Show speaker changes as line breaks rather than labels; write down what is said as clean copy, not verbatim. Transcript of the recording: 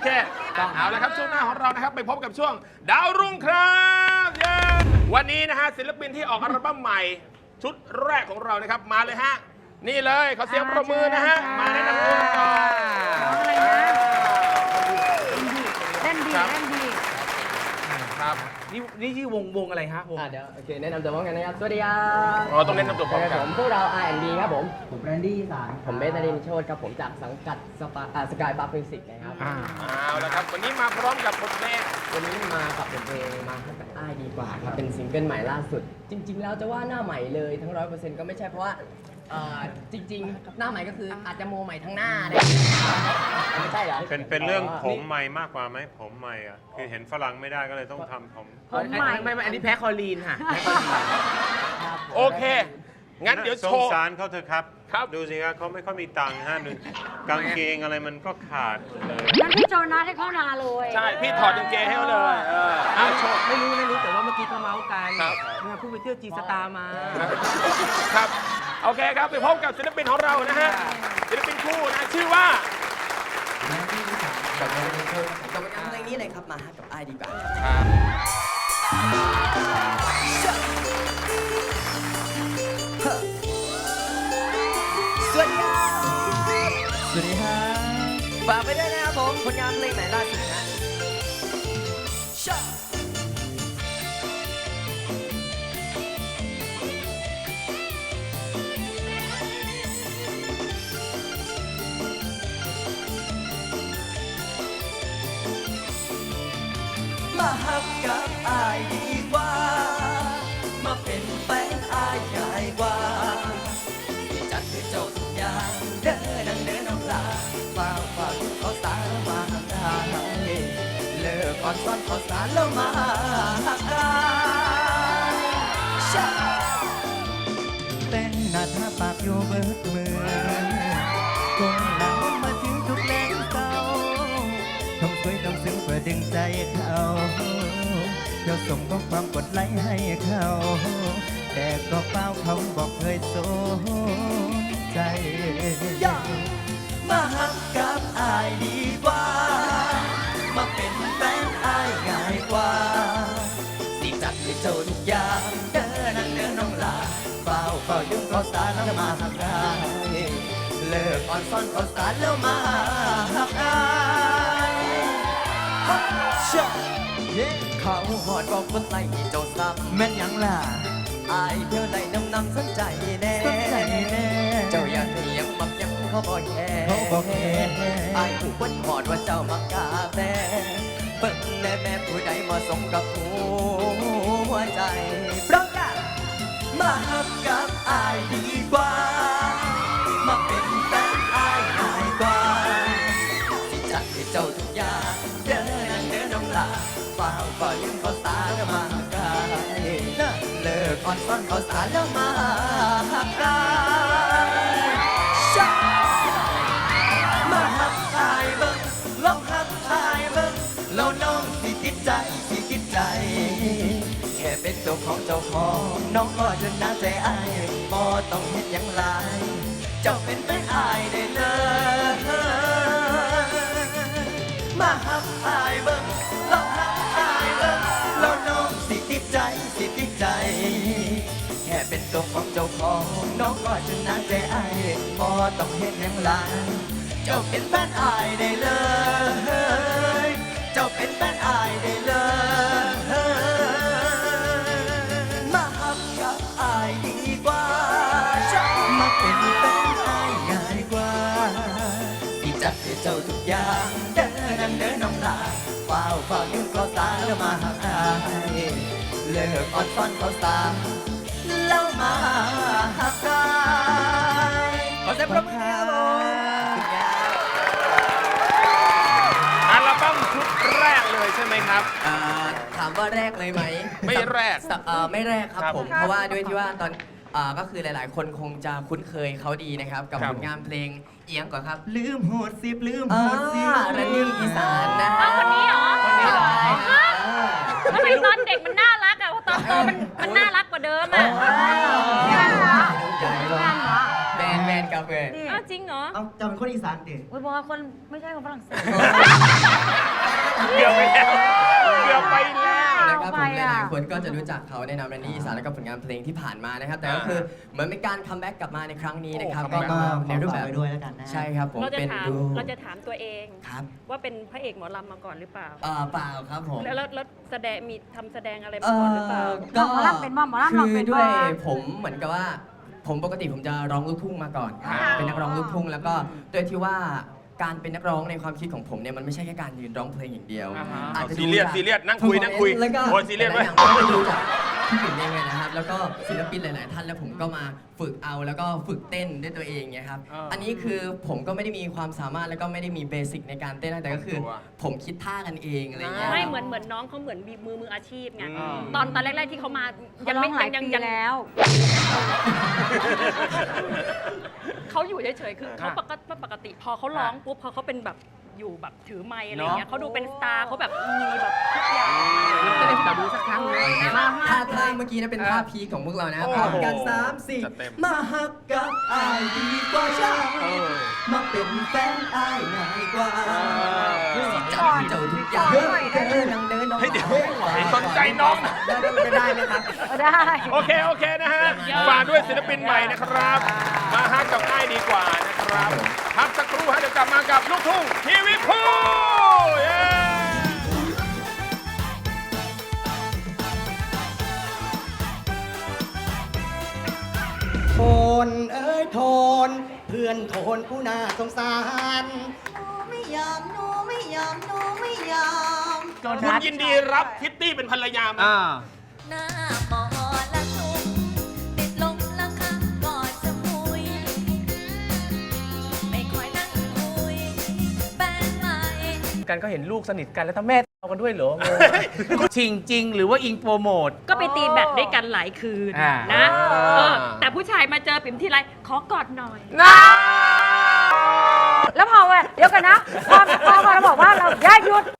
เคเอาละครับช่วงหน้าของเรานะครับไปพบกับช่วงดาวรุ่งครับเย้วันนี้นะฮะศิลปินที่ออกอัลบั้มใหม่ชุดแรกของเรานะครับมาเลยฮะนี่เลยขอเสียงประมือนะฮะมาแนะนำตัวก่อน
เล่นดี
ครับ
นี่ชื่อวงอะไรฮะวง
เดี๋ยวโอเคแนะนำตัวพร้อมกันนะครับสวัสดีครับ
อ๋อต้องแนะนำตัวพร้อมกัน
ผมพวกเรา R&B ครับผม
แบรนดี้อีสาน
ผมเบสนารินทร์โชติครับผมจากสังกัดสกายบัฟมิวสิกนะครับ
เอาละครับวันนี้มาพร้อมกับบทเพลง
วันนี้มากับบทเพลงมาให้กับอ้ายดีกว่าครับเป็นซิงเกิลใหม่ล่าสุด จริง ๆ แล้วจะว่าหน้าใหม่เลยทั้ง 100% ก็ไม่ใช่เพราะว่าจริงๆหน้าใหม่ก็คืออาจจะโมใหม่ทั้งหน้าเลยไม่ใช่เหรอ
เป็นเรื่องผมใหม่มากกว่าไหมผมใหม่อ่ะคือเห็นฝรั่งไม่ได้ก็เลยต้องทำผม
ไม่อันนี้แพ้คอลีนค่ะแพ้คอลีน
โอเคงั้นเดี๋ยว
ส
โช
ง
ว์
สารเขาเถอะครับ
ครับ
ดูสิครับเขาไม่ค่อยมีตังค์ฮะหนึ่งกางเกงอะไรมันก็ขาดหมดเลย
งั้นพี่โจนัสให้เข้านาเลย
ใช่พี่ถอดกางเกงให้เขาเลยโชว์
ไม่รู้แต่ว่าเมื่อกี้เขาเมาส์กัน
ครับ
เนี่ยเพิ่งไปเที่ยวจีสตาร์มา
ครับโอเคครับไปพบกับศิลปินของเรานะฮะศิลปินคู่นะชื่อว่า
กับเพลงนี้เลยครับมาหากับอ้ายดีกว่า สวัสดีครับฝากไปด้วยนะครับผมผลงานเพลงใหม่ล่าสุดนะมาหักกับอายดีกว่ามาเป็นแฟนอายง่ายกว่าที่จัดให้เจ้าทุกอย่างเดินนั่งเดินน้ำลาฝ่าเขาสารมาหักอายเลิกก่อนซ้อนเขาสารแล้วมาหักอายแต่งหน้าทาปากอยู่เบิดมือคงหนาวมาถึงทุกแรงเศร้าทำสวยทำซึ้งเพื่อดึงใจเขาเดี๋ยวส่งข้อความกดไลค์ให้เขาแต่ก็เปล่าเขาบอกเคยสนใจมาหักกับอายดีกว่ามาเป็นแฟนอายง่ายกว่าสิจัดให้เจ้าทุกอย่างเดินนั่งเดินน้องลาเฝ้ายุ่งเขาสารแล้วมาหักอายเลิกอ่อนซ่อนเขาสารแล้วมาหักอายเขาหอดบอกคนไล่เจ้าซ้ำแม่นยังล่ะอายเที่ยวไหนนำสนใจแน่เจ้าอยากให้ยังมักยังเขาบอกแค่อายผู้คนหอดว่าเจ้ามักกาแฟเปิ้ลและแม่ผู้ใดมาส่งกับหัวใจเพราะกันมาหักกับอายดีกว่ามาเป็นแฟนอายง่ายกว่าสิจัดให้เจ้าทุกอย่างเดินน้องลาฝ่าลืมเขาสารแล้วมาหักอายเลิกอ่อนซ่อนเขาสารแล้วมาหักอายมาหักอายเบิ่งลองหักอายเบิ่งแล้วน้องสิติดใจแค่เป็นตัวของเจ้าของน้องก็จนน่าใจอายบ่ต้องเฮ็ดหยังหลายเจ้าเป็นแฟนอายได้เลยมาหักอายเบิ่งลองหักอายเบิ่งแล้วน้องสิติดใจแค่เป็นตัวของเจ้าของน้องก็จนน่าใจอายบ่ต้องเฮ็ดหยังหลายเจ้าเป็นแฟนอายได้เลยเจ้าเป็นแฟนอายได้เลยมาหักกับอายดีกว่ามาเป็นแฟนอายง่ายกว่าที่จัดให้เจ้าทุกอย่างเดินน้องลาเฝ้ายุ่งเขาสารแล้วมาหักอายเลิกอ่อนซ่อนเขาสารแล้วมาหักอายขอเสียงปรบมือครับ
อัลบั้มชุดแรกเลยใช่ไหมครับ
ถามว่าแรกเลยไหม
ไม่แรก
ไม่แรกครับ
ครับ
ผมเพราะว่าด้วยที่ว่าตอนก็คือหลายๆ คนคงจะคุ้นเคยเขาดีนะครับกับ
ครับ
ผลงานเพลงเอียงก่อนครับลืมโหดสิบรันนี่อีสานนะฮะ
คนนี้เหรอ
คนนี้เลย
ทำไมตอนเด็กมันน่ารักอะตอนโตมันน่ารักกว่าเดิมอะ
แมนกับเพื่อน
อ้าวจริงเหรอ
จะเป็นคนอีสานเด็ก
โอ้ยบอกว่าคนไม่ใช่คนฝรั่งเศส
ายๆคนก็จะรู้จักเขาในนามแรนดี้อีสานแล้วก็ผลงานเพลงที่ผ่านมานะครับแต่ก็คือเหมือนเป็นการคัมแบ็กกลับมาในครั้งนี้นะครับ
โอ้
ก็
comeback
มาในรูปแบบ
ขอฝากไว้ด้วยแล้วกันนะ
ใช่ครับผม
เราจะ
เป็น
ถาม
ดู
เราจะถามตัวเอง
ครับ
ว่าเป็นพระเอกหมอลำมาก่อนหรือเปล่า
เปล่าครับผม
แล้วแสดงมีทำแสดงอะไรมาก่อนหรือเปล่า
ก็
หมอลำเป็นบ่หมอลำ
คื
ลอง
อ
เป็นบ่
ด้วยผมเหมือนกับว่าผมปกติผมจะร้องลูกทุ่งมาก่อน
อ่า
เป็นนักร้องลูกทุ่งแล้วก็โดยที่ว่าการเป็นนักร้องในความคิดของผมเนี่ยมันไม่ใช่แค่การยืนร้องเพลงอย่างเดียว อาจจะ
ซีเรียส
ดูจาก
ซีเรียสนั่งคุยนั่งคุย
แล้วก็
โอ้ยซีเรียส
ห
ไว้
ลายๆอย่างก็ดูจากพี่ปิ่นเองเลยนะครับ แล้วก็ศิลปินหลาย ๆ ท่านแล้วผมก็มาฝึกเอาแล้วก็ฝึกเต้นด้วยตัวเองเนี่ยครับ อันนี้คือผมก็ไม่ได้มีความสามารถแล้วก็ไม่ได้มีเบสิกในการเต้นนะแต่ก็คือผมคิดท่ากันเองอะไรเงี้ย
ไม่เหมือนน้องเขาเหมือนมีมืออาชีพไง
อืม
ตอนแรกๆที่เขามา
ยั
ยัง ง
ไม่
ไม่
หลาย
ยัง
ปี
ยัง
แล้ว
เขาอยู่เฉยๆคือเขาปกติพอเขาร้องปุ๊บพอเขาเป็นแบบอยู่แบบถือไมค์อะไรเงี้ยเขาดูเป็นสตาร์เขาแบบมีแบบทุกอย่าง
ก็เลยขอดูสักครั้งเลย
ท่าเมื่อกี้นะเป็นท่าพีคของพวกเรานะ
โอ้
พ
โห
ร้อมกัน
จัด
3
เต็ม
4 มาฮักกับอายดีกว่าฉันมาเป็นแฟนอายง่ายกว่าจับเจ้าทุกอย่างเดินนังเดินน้อง
เฮ้ยเดี๋ยวสนใจน้อง
ได้ไหมครับ
ได้
โอเคนะฮะฝากด้วยศิลปินใหม่นะครับ มาฮักกับง่ายดีกว่านะครับพักสักครู่ฮะเดี๋ยวกลับมากับลูกทุ่งทีวีพูเย้
โทนเอ้ยโทน เพื่อนโทนผู้น่าสงสาร
ไม่ยอมหนูไม่ยอมหนูไม่ยอม
คุณยินดีรับคิตตี้เป็นภรรยาไหม
หน้าหมอละทุ่มติดลมละครั้งก่อนจะคุย ไม่ค่อยนั่งคุยแฟนใหม่
กันก็เห็นลูกสนิทกันแล้วถ้าแม่เอากันด้วยเหรอชิงจริงหรือว่าอิงโปรโมท
ก็ไปตีแบตด้วยกันหลายคืน
อ่า
นะแต่ผู้ชายมาเจอปิ่มทีไรขอกอดหน่อย
นะ
แล้วพอเว้ยเดี๋ยวกันนะ พอเราบอกว่าเราอย่าหยุด